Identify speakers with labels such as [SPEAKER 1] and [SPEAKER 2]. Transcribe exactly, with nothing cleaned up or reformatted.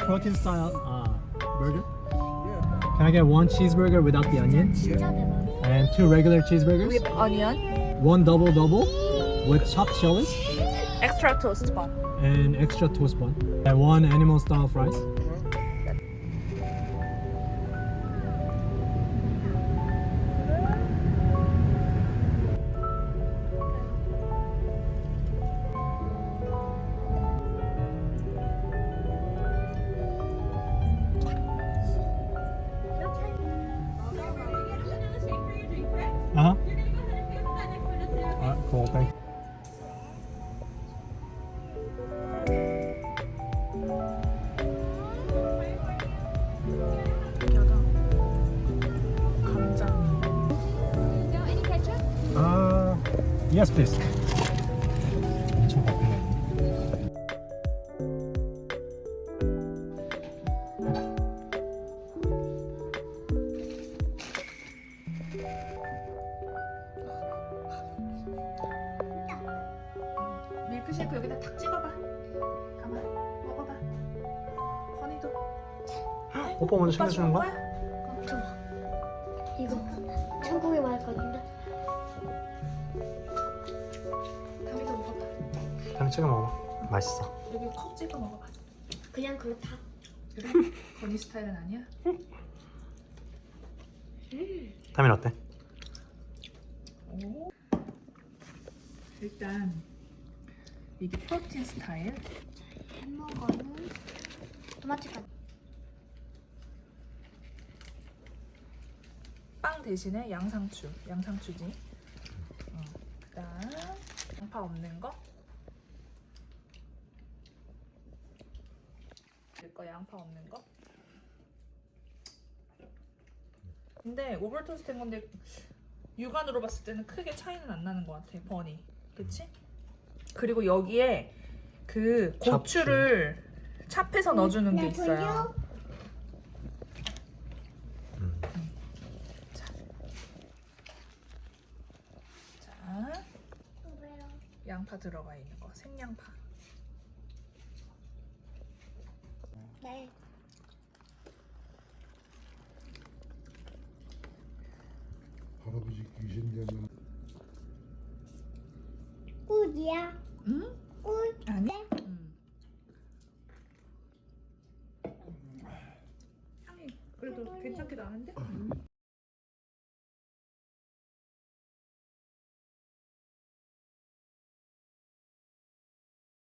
[SPEAKER 1] protein style uh, burger? Can I get one cheeseburger without the onion?
[SPEAKER 2] 진짜 대박.
[SPEAKER 1] And two regular cheeseburgers?
[SPEAKER 3] With onion,
[SPEAKER 1] One double double with chopped chilies
[SPEAKER 3] extra toast bun.
[SPEAKER 1] and extra toast bun. And one animal style fries. Uh-huh. Alright, cool, thank you. Uh, yes, please. 엄청 바쁘네.
[SPEAKER 3] 밀크쉐이크 여기다 탁 찍어봐. 담아, 먹어봐. 허니도.
[SPEAKER 1] 오빠 먼저 챙겨주는 거야?
[SPEAKER 2] 이거 천국에 말할 건데.
[SPEAKER 3] 담이도 먹어봐.
[SPEAKER 1] 다음에 찍어 먹어. 맛있어.
[SPEAKER 3] 여기 컵 찍어 먹어봐.
[SPEAKER 2] 그냥 그렇다.
[SPEAKER 3] 그래? 건이 스타일은 아니야?
[SPEAKER 1] 다음엔 어때?
[SPEAKER 3] 오. 일단 이게 프로틴 스타일.
[SPEAKER 2] 햄버거는 토마토가
[SPEAKER 3] 빵 대신에 양상추, 양상추지. 어, 그다음 양파 없는 거. 거 양파 없는 거. 근데 오븐 토스트 된 건데 육안으로 봤을 때는 크게 차이는 안 나는 것 같아. 버니, 그치? 그리고 여기에 그 고추를 찹해서 넣어주는 게 있어요.
[SPEAKER 1] 음.
[SPEAKER 3] 자, 자, 양파 들어가 있는 거, 생양파.
[SPEAKER 2] 네.
[SPEAKER 4] 할아버지 귀신 되면
[SPEAKER 2] 꿀이야.
[SPEAKER 3] 응?
[SPEAKER 2] 꿀.
[SPEAKER 3] 아니.